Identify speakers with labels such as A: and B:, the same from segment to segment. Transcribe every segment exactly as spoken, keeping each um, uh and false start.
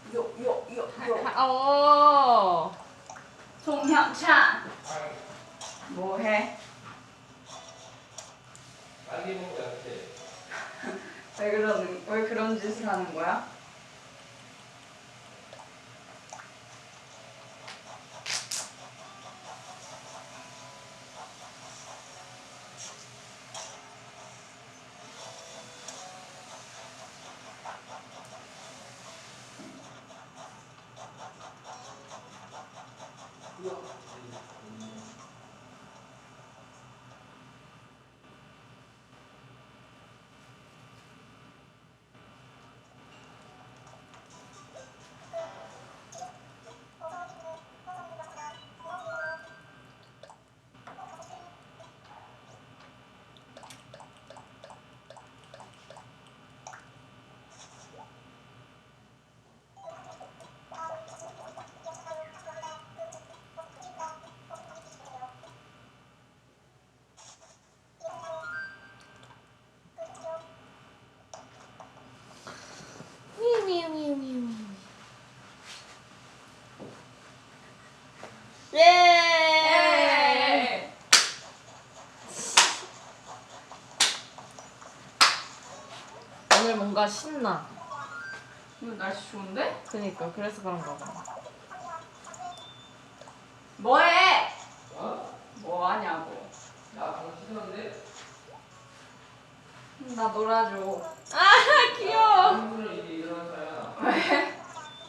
A: 요요요요. 어. 송형찬. 뭐해?
B: 빨리 먹어야 돼.
A: 왜 그러는 왜 그런 짓을 하는 거야? 미미미미. 예. 오늘 뭔가 신나.
C: 오늘 날씨 좋은데?
A: 그니까 그래서 그런가 봐.
C: 뭐해?
B: 어?
C: 뭐 하냐고.
B: 나 방금 씻었는데?
C: 나 놀아줘.
A: 아 귀여워.
B: 한분을 이제 일어난 거야.
C: 왜?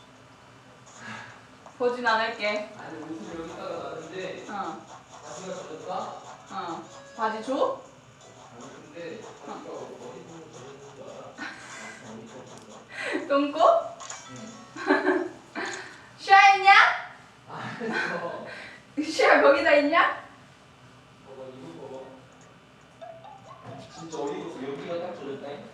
C: 보진 않을게.
B: 아니 옷을 여기다가 놨는데
C: 어.
B: 바지가 젖었다?
C: 어. 바지 줘?
B: 아니 근데 바지가 어디 보면 젖었는 줄 알아? 어디 젖었어?
C: 똥꼬?
B: 응.
C: 슈아 있냐?
B: 알았어.
C: 슈아 거기다 있냐?
B: 봐봐 이거 봐봐. 진짜 어디 있어? 여기가 딱 젖었다잉?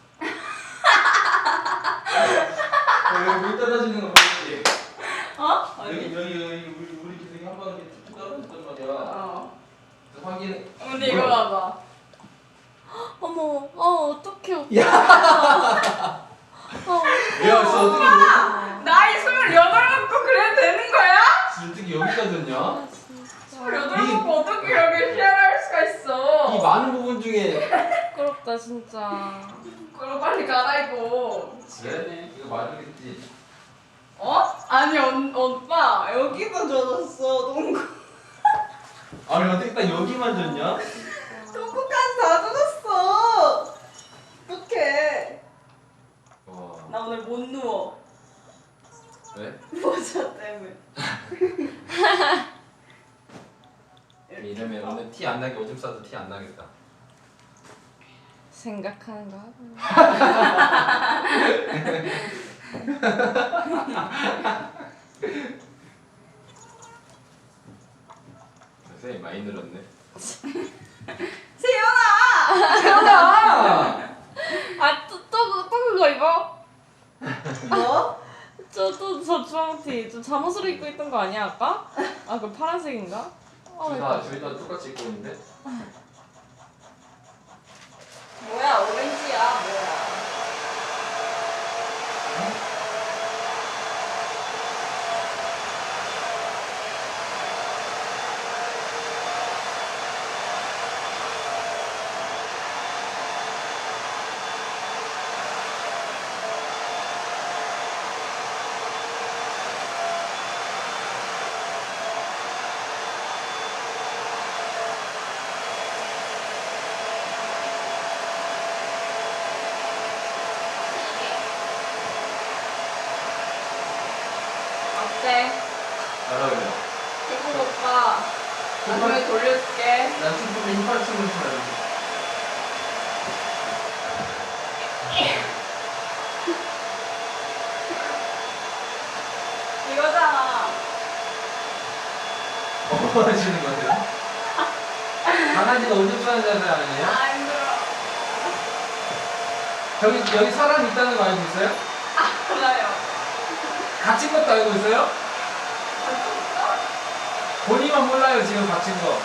B: 여기 물 떨어지는 거 보이지?
C: 어?
B: 여기 여기 여기 우리 우리 기둥이 한 번 이렇게 툭툭 떨어졌단 말이야.
C: 어.
B: 그래서 확인.
C: 근데 이거 봐봐.
A: 어머, 어 어떡해 오빠.
B: 야.
A: 어,
B: 야, 저 어떻게 여기
C: 나이 스물여덟 먹고 그래도 되는 거야?
B: 어떻게 여기까지냐?
A: 아, 진짜.
C: 스물여덟 먹고 어떻게 여기 쉐어할 수가 있어?
B: 이 많은 부분 중에
A: 부끄럽다 진짜.
C: 그럼 빨리 갈아입고.
B: 그래? 이거 맞으겠지.
C: 어? 아니 온, 오빠 여기도 젖었어 똥꼬.
B: 아니 어떻게 딱 여기만 졌냐?
C: 똥꼬까지 다 젖었어. 어떡해.
B: 와.
C: 나 오늘 못 누워.
B: 왜?
C: 모자 때문에.
B: 이러면 오늘 티 안 나게 오줌 싸도 티 안 나겠다.
A: 생각하는 거 하고.
B: 선생님 많이 늘었네.
C: 세연아.
B: 태연아!
A: 아또또또 그거 입어?
C: 뭐?
A: 저또저 주황티 저 잠옷으로 입고 있던 거 아니야 아까? 아 그 파란색인가? 어,
B: 둘 다 둘 다 똑같이 입고 있는데?
C: 뭐야 오렌지야 뭐야. 어때?
B: 잘 어울려.
C: 태국 오빠 나중에 돌려줄게.
B: 난 춤추면 힙합 춤을 춰야
C: 이거잖아.
B: 뭐 하시는 거세요? 강아지가 오줌 싸는 자세 아니에요?
C: 아 힘들어.
B: 저기 여기 사람 있다는 거 알고 있어요?
C: 아 몰라요.
B: 갇힌 것도 알고 있어요? 본인만 몰라요 지금 갇힌 거.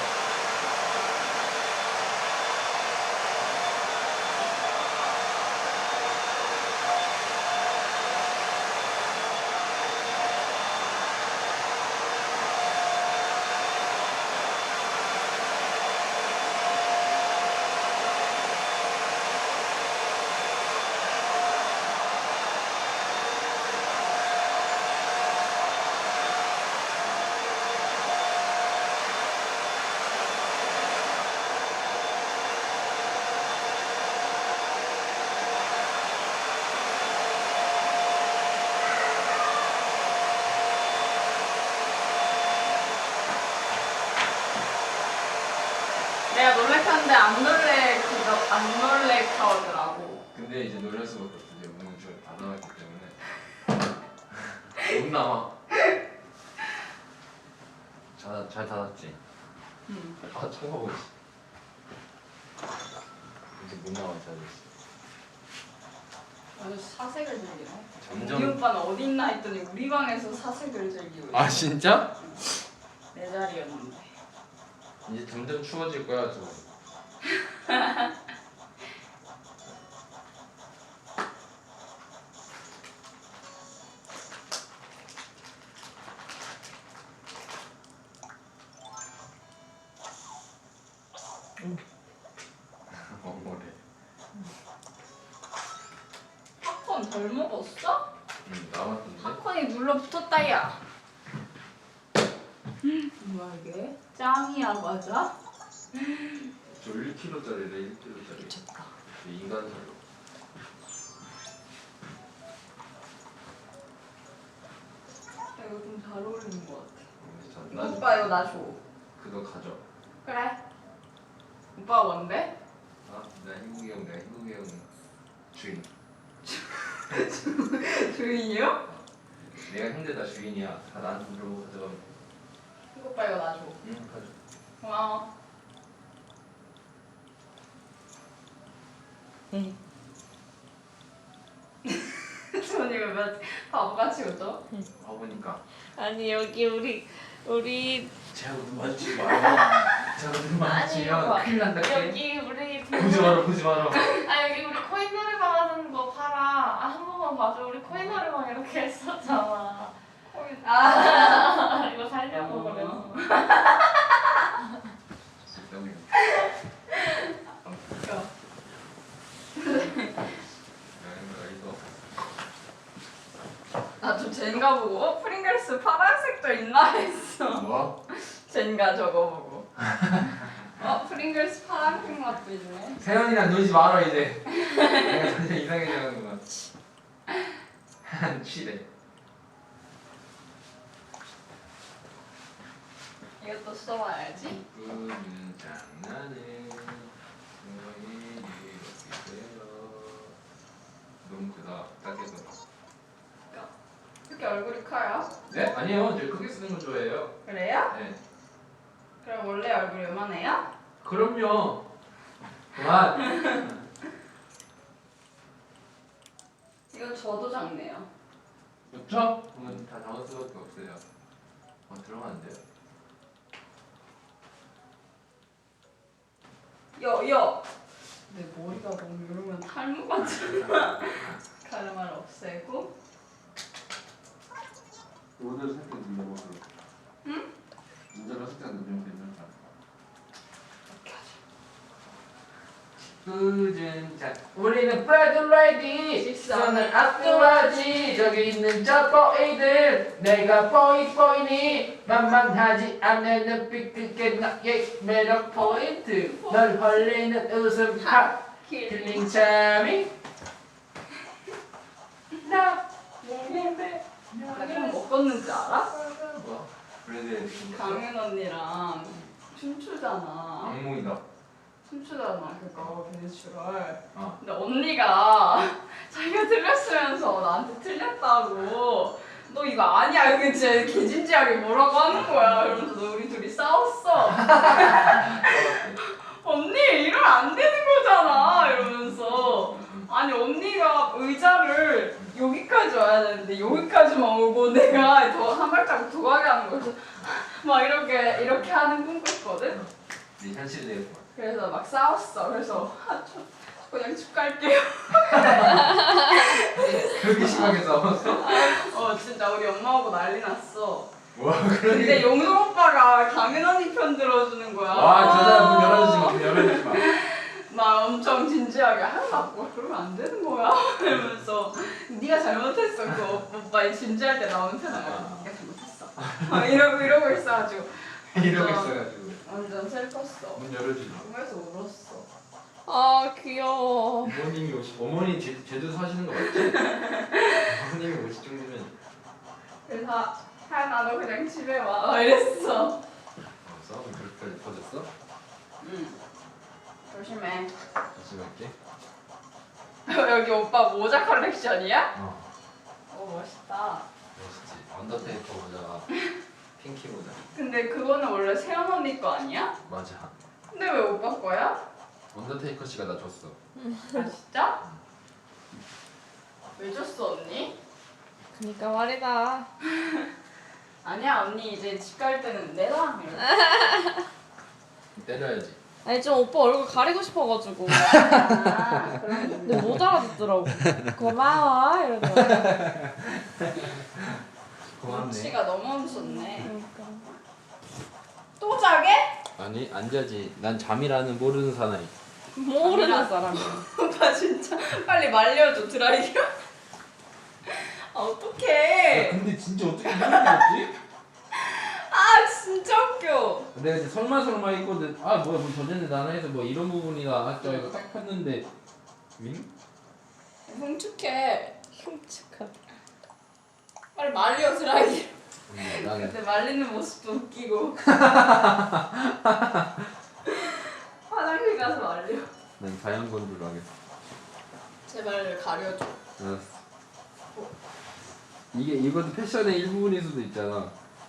C: 놀래카인데 안 놀래 그거 안 놀래카더라고.
B: 근데 이제 놀랄 수밖에 없어. 이제 문을 좀 닫아놨기 때문에 못 나와. 잘, 잘 닫았지?
C: 응.
B: 아 참고하고 있어. 이제 못 나와 잘 됐어.
C: 아주 사색을 즐기네.
B: 점점-
C: 우리 오빠는 어디 있나 했더니 우리 방에서 사색을 즐기고 있어.
B: 아 진짜?
C: 내 자리였는데.
B: 이제 점점 추워질 거야 저. 어 뭐래?
C: 팝콘 덜 먹었어?
B: 응 남았던데?
C: 팝콘이 눌러붙었다 야. 뭐야 이게? 짱이야 맞아?
B: 저 일 킬로그램짜리래 일 킬로그램짜리.
C: 미쳤다.
B: 인간 살로.
C: 이거 좀 잘 어울리는 것 같아.
B: 나
C: 오빠 이거 나 줘.
B: 그거 가져.
C: 그래. 오빠 뭔데?
B: 아, 나 희국이 형, 내가 희국이 형 주인.
C: 주인이요?
B: 내가 힘들다 주인이야. 다 나한테 물어보고 가져가면.
C: 이거 오빠 이거 나 줘.
B: 응, 가져.
C: 고마워.
A: 응.
C: 주원이 왜 몇- 바보같이 웃어?
B: 와보니까.
A: 아니 여기 우리 우리
B: 제가 눈 마주치지 마요. 제가 눈 마주치면
A: 아니,
B: 큰일 난다. 깨.
A: 여기 우리
B: 보지 마라, 보지 마라.
A: 아 여기 우리 코인 노래방 하는 거 팔아. 아, 한 번만 봐줘. 우리 코인 노래방 이렇게 했었잖아.
C: 아.
A: 이거 살려고 그래.
B: 너무
C: 웃겨. 나좀 젠가 보고 어 프링글스 파란색도 있나 했어.
B: 뭐?
C: 젠가 저거 보고. 어 프링글스 파란색 맛도 있네.
B: 세연이랑 놀지 마라 이제. 내가 점점 이상해져가는구만. 취래.
C: 이것도 써봐야지.
B: 꿈은 장난해. 너희 이렇게 되어. 너무 크다. 작게서.
C: 이렇게 얼굴이 커요?
B: 네? 아니요. 저 크게 쓰는 거 좋아해요.
C: 그래요?
B: 네.
C: 그럼 원래 얼굴이 요만해요?
B: 그럼요. 그만.
C: 이건 저도 작네요.
B: 그렇죠? 그러면 다 나올 수밖에 없어요. 어, 들어가면 안 돼요?
C: 여, 여! 내 머리가 너무 이러면 탈모 같잖아. 가르마를 없애고.
B: 모델 살짝 눌러보세요.
C: 응?
B: 모델을 살짝 누르면 괜찮다.
C: 이렇게 하자.
B: 꾸준 자 우리는 브라이드
C: 식사는
B: 앞두하지 저기 있는 저 보이들 내가 보이 보이니 만만하지 않는 눈빛 그게 나의 매력 포인트 널 헐리는 웃음 하 킬링 참이 나 모르겠네
C: 나 좀 먹었는지 알아?
B: 뭐? 브랜드
C: 강윤 언니랑 춤추잖아.
B: 악몽이다.
C: 춤추잖아 그거 베네추럴.
B: 어.
C: 근데 언니가 자기가 틀렸으면서 나한테 틀렸다고 너 이거 아니야 이렇게 진짜 개진지하게 뭐라고 하는 거야. 이러면서 너 우리 둘이 싸웠어. 언니 이러면 안 되는 거잖아 이러면서. 아니 언니가 의자를 여기까지 와야 되는데 여기까지만 오고 내가 더 한 발자국 더 가게 하는 거야. 그래서 막 이렇게 이렇게 하는 꿈 꿨거든.
B: 네 현실 내겠구만.
C: 그래서 막 싸웠어. 그래서 아, 저, 저 그냥 집 갈게요.
B: 그렇게 심하게 싸웠어?
C: 어 진짜 우리 엄마하고 난리 났어.
B: 와
C: 근데 용성 오빠가 강은 언니 편 들어주는 거야.
B: 와, 저 사람 문 열어주지 마, 문 열어주지 마.
C: 막 엄청 진지하게 하나 뭐 그러면 안 되는 거야. 이러면서 네가 잘못했어. 그 오빠 진지할 때 나오는 편이야. 네가 잘못했어. 막 이러고 이러고 있어가지고
B: 이러고
C: 완전-
B: 있어가지고.
C: 완전 슬펐어.
B: 문 열어주지 마.
C: 꿈에서 울었어.
A: 아 귀여워.
B: 어머님이 오시, 어머니 제, 제주도 사시는 거 맞지? 어머님이 오실 정도면.
C: 그래서 하연아 너 그냥 집에 와 이랬어.
B: 어, 싸움이 그렇게까지 터졌어?
C: 응. 조심해.
B: 조심할게.
C: 여기 오빠 모자 컬렉션이야?
B: 어.
C: 오 멋있다.
B: 멋있지. 언더테이커 모자가 핑키 모자.
C: 근데 그거는 원래 세연 언니 거 아니야?
B: 맞아.
C: 근데 왜 오빠 거야?
B: 언더테이커 씨가 나 줬어.
C: 아 진짜? 왜 줬어 언니?
A: 그니까 말이다.
C: 아니야 언니 이제 집 갈 때는 내놔.
B: 때려야지.
A: 아니 좀 오빠 얼굴 가리고 싶어가지고.
C: 아 그럼
A: 근데 못 알아듣더라고. 고마워 이러더라고.
B: 고맙네.
C: 눈치가 너무 무섭네.
A: 그러니까.
C: 또 자게?
B: 아니 안 자지. 난 잠이라는 모르는 사나이.
A: 모르는 사람이야.
C: 오빠 진짜 빨리 말려줘 드라이기로. 아 어떡해.
B: 근데 진짜 어떻게 이런 게 없지?
C: 아 진짜 웃겨.
B: 내가 이제 설마 설마 했거든. 아 뭐야 뭐 저전에 나나 해서 뭐 이런 부분이가 아 이거 딱 폈는데 윙?
C: 흉측해.
A: 흉측하다.
C: 빨리 말려 드라이기로.
B: 음, 나는
C: 근데 말리는 모습도 웃기고. 화장실 가서 말려.
B: 난 자연 건조로 하겠어.
C: 제발 가려줘.
B: 알았어. 이게 이것도 패션의 일부분일 수도 있잖아.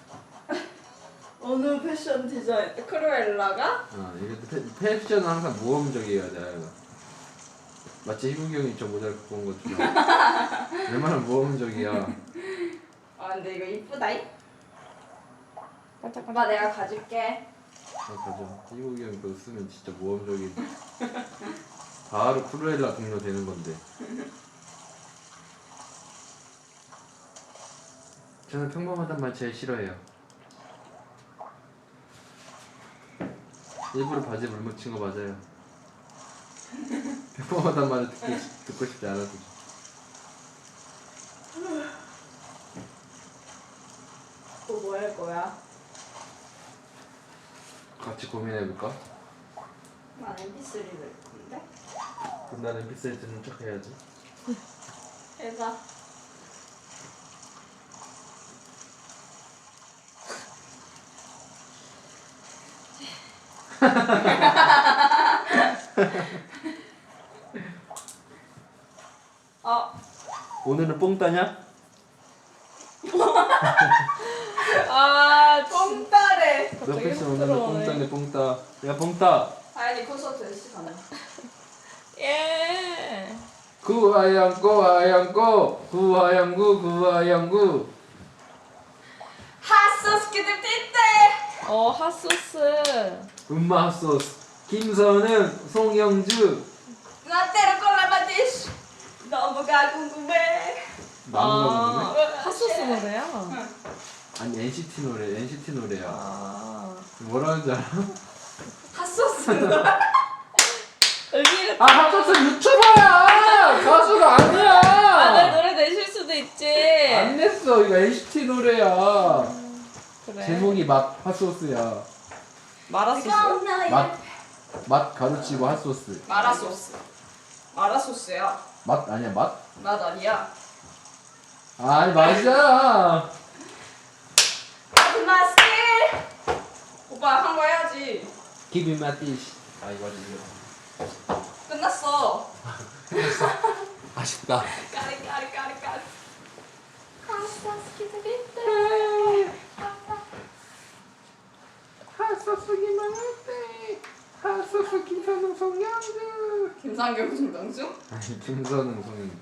C: 어느 패션 디자인? 크루엘라가?
B: 어, 이것도 패, 패션은 항상 모험적이어야 돼. 마치 희국이 형이 저 모자를 갖고 온 것처럼 얼마나 모험적이야.
C: 아 근데 이거 이쁘다잉?
A: 반짝반짝.
C: 오빠 내가 가질게.
B: 아 가져. 희국이 형이 그거 쓰면 진짜 모험적인. 바로 크루엘라 동료 되는 건데. 저는 평범하단 말 제일 싫어해요. 일부러 바지에 물 묻힌 거 맞아요. 평범하단 말을 듣고, 싶- 듣고 싶지 않아서.
C: 또 뭐 할 거야?
B: 같이 고민해볼까?
C: 난 엠피쓰리 낼 건데?
B: 그럼 나는 엠피쓰리 듣는 척 해야지.
C: 해봐. 어,
B: 오늘은 뽕 따냐?
A: 아
C: 뽕따래.
B: 몇
A: 갑자기
B: 패스 오늘은 뽕
A: 부끄러워네.
B: 따네 뽕 따. 야 뽕 따.
C: 아연이 콘서트 시간에.
A: 예.
B: 구하양구 하양구 구하양구 구하양구.
C: 핫소스 키들 띠때.
A: 어 핫소스.
B: 음마 소스. 김선은 송영주.
C: 나때로 콜라바디시. 너무가 궁금해.
B: 나무가 부르네?
A: 핫소스 노래야.
B: 아니 엔시티 노래 엔시티 노래야.
A: 아.
B: 뭐라는 줄 알아?
C: 핫소스.
A: 의미를.
B: 아 핫소스 유튜버야. 가수가 아니야.
A: 아내 노래 내실 수도 있지.
B: 안 냈어. 이거 엔시티 노래야.
A: 그래.
B: 제목이 맛 핫소스야.
A: 마라소스.
B: 맛, 맛 가루치고 핫소스.
C: 마라소스. 마라소스야.
B: 맛 아니야 맛?
C: 맛 아니야.
B: 아니 맞아.
C: 마스키. 오빠 한 거 해야지.
B: Give me my dish. 아 이거 이거.
C: 끝났어.
B: 아쉽다.
C: 까리 까리 까리 까리. 핫소스 키들 띠때.
B: 핫소스기만 할때 핫소스 김선웅 송영주.
C: 김상경 송정수?
B: 아니 김선웅 송영주.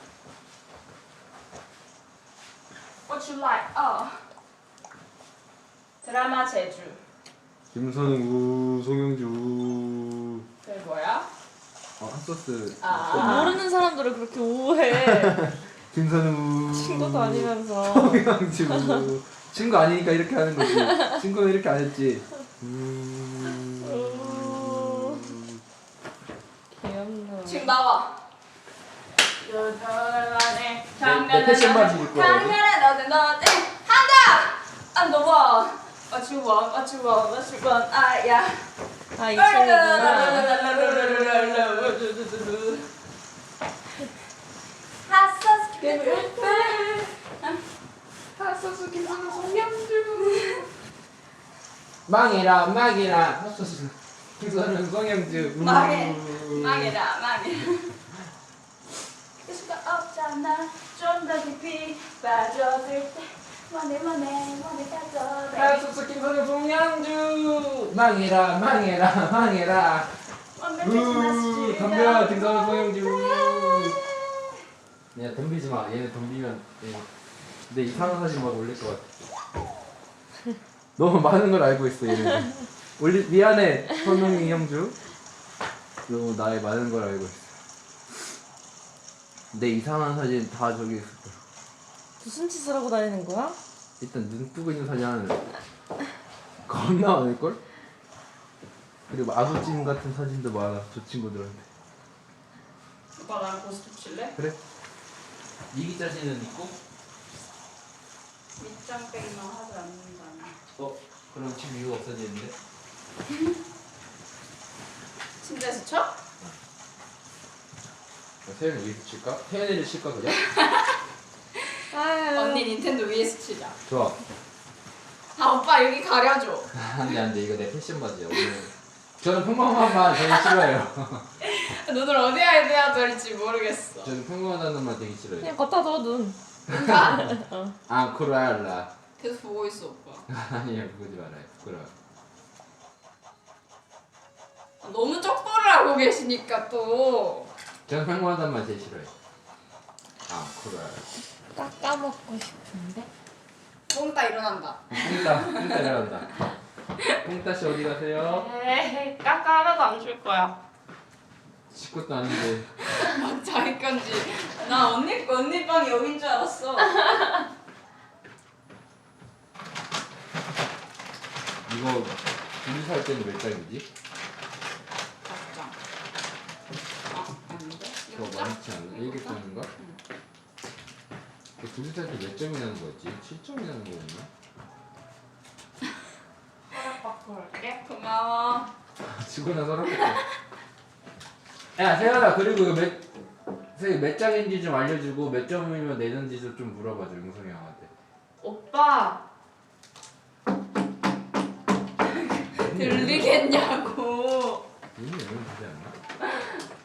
C: What you like? 어. 드라마 제주.
B: 김선웅 우 송영주 우.
C: 그게 뭐야?
B: 어 핫소스.
C: 아.
A: 모르는 사람들을 그렇게 우해.
B: 김선웅 우.
A: 친구도 아니면서.
B: 송영주 우. 친구 아니니까 이렇게 하는 거지. 친구는 이렇게 안 했지. 음.
A: 우. 귀엽네.
C: 지금 나와.
B: 내- 내 패션 바지 입고 와야지.
C: 장난해 너는 너는 한다. 안 넘어. What you want? What you want? What you want? 아야.
A: 아 이 친구구나.
C: 핫소스
B: 핫소스 김선웅 송영주. 망해라 망해라 핫소스. 김선우 송영주.
C: 망해. 망해라 망해. 수가 없잖아. 좀 더 깊이 빠져들 때 원해 원해 원해 빠져들.
B: 하수수 김선우 송영주. 망해라 망해라 망해라. 우 덤벼 김선우 송영주. 야 덤비지 마. 얘네 덤비면 얘. 내 이상한 사진 막 올릴 것 같아. 너무 많은 걸 알고 있어 얘네. 올리 미안해 선웅이 형주. 너무 나의 많은 걸 알고 있어. 내 이상한 사진 다 저기 있을 거야.
D: 무슨 짓을 하고 다니는 거야?
B: 일단 눈 뜨고 있는 사진 하는 겁나 많을걸? 그리고 아구찜 같은 사진도 많아 저 친구들한테.
C: 오빠 나랑 고스톱 칠래?
B: 그래? 이기 자신은 있고?
C: 밑장 빼기만 하지 않는다면.
B: 어? 그럼 지금 이유가 없어지는데?
C: 침대에서 쳐?
B: 태연이 위에서 칠까? 태연이를 칠까 그냥?
D: 아유.
C: 언니 닌텐도 위에서 치자.
B: 좋아.
C: 아 오빠 여기 가려줘.
B: 안돼 안돼 이거 내 패션 바지야 오늘. 저는 평범한만 되게 싫어요.
C: 눈을 어디에 해야 될지 모르겠어.
B: 저는 평범하다는 말 되게 싫어요.
D: 그냥 걷다 줘 눈.
C: 그러니까
B: 아 쿠라라.
C: 계속 보고 있어 오빠.
B: 아니야 보지 말아요. 부끄러워.
C: 아, 너무 쩍보를 하고 계시니까 또.
B: 저는 평범하다는 말 되게 싫어요. 아 쿠라라.
D: 깎아먹고 싶은데.
C: 뽕따 일어난다.
B: 뽕따 뽕따 일어난다. 뽕따 씨 어디 가세요?
A: 에이 깎아 하나도 안 줄 거야.
B: 십 것도 아닌데.
C: 막 자기 건지. 나 언니 언니 방이 여긴 줄 알았어.
B: 이거 둘이 살 때는 몇 장이지?
C: 각장. 아 아닌데?
B: 그거
C: 이거 장?
B: 많지 않나? 일곱 장인가?
C: 응.
B: 그 둘이 살 때 몇 점이 나는 거였지? 칠 점이 나는 거였나?
A: 허락 받고 올게.
C: 고마워.
B: 지고 나서 렇겠다. 야 세연아 그리고 이거 몇, 세연 몇 장인지 좀 알려주고 몇 점이면 내는지도 좀 물어봐줘 용성이 형한테.
A: 오빠
C: 들리겠냐고.
B: 이미 열면 되지 않나?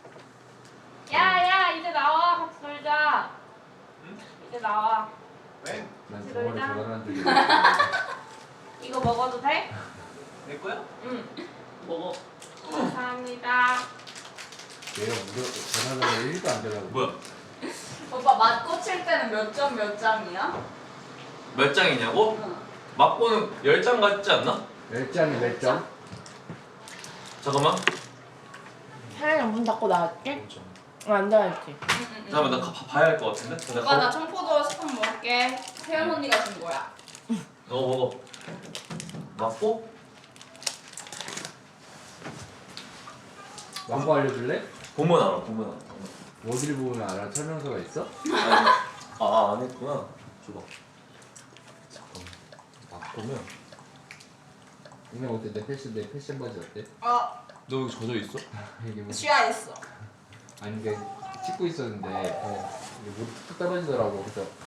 A: 야야 이제 나와 같이 놀자. 이제 나와.
E: 왜?
B: 난
A: 같이
B: 저번에
A: 놀자.
B: 전화를 한 적이 없어.
A: 이거 먹어도 돼?
E: 내 거야?
A: 응.
E: 먹어.
A: 감사합니다.
B: 내가 무려 전화를 하면 일도 안 되라고.
E: 뭐야?
C: 오빠 맛 꽂힐 때는 몇 점 몇 장이야?
E: 몇 장이냐고?
C: 응.
E: 막고는 열 장 같지 않나?
B: 몇 장이 몇 점?
E: 잠깐만.
D: 사연이 문 닫고 나갈게. 어, 앉아야지.
E: 잠깐만 나 가, 봐- 봐야 할 것 같은데? 나
C: 오빠 나
E: 가-
C: 청포도 스푼 먹을게. 태연 언니가 준 거야.
E: 너 먹어. 막고?
B: 막고 알려줄래?
E: 보면 알아 보면 알아.
B: 어디를 보면 알아? 설명서가 있어?
E: 아니, 아, 안 했구나. 줘봐. 잠깐만. 막고면
B: 오늘 어때? 내 패션 내 패션 바지 어때?
C: 어
E: 너 여기 젖어 있어?
B: 이게 뭐
C: 취하했어.
B: 아니 이게 찍고 있었는데 어, 이게 물이 툭 떨어지더라고. 그래서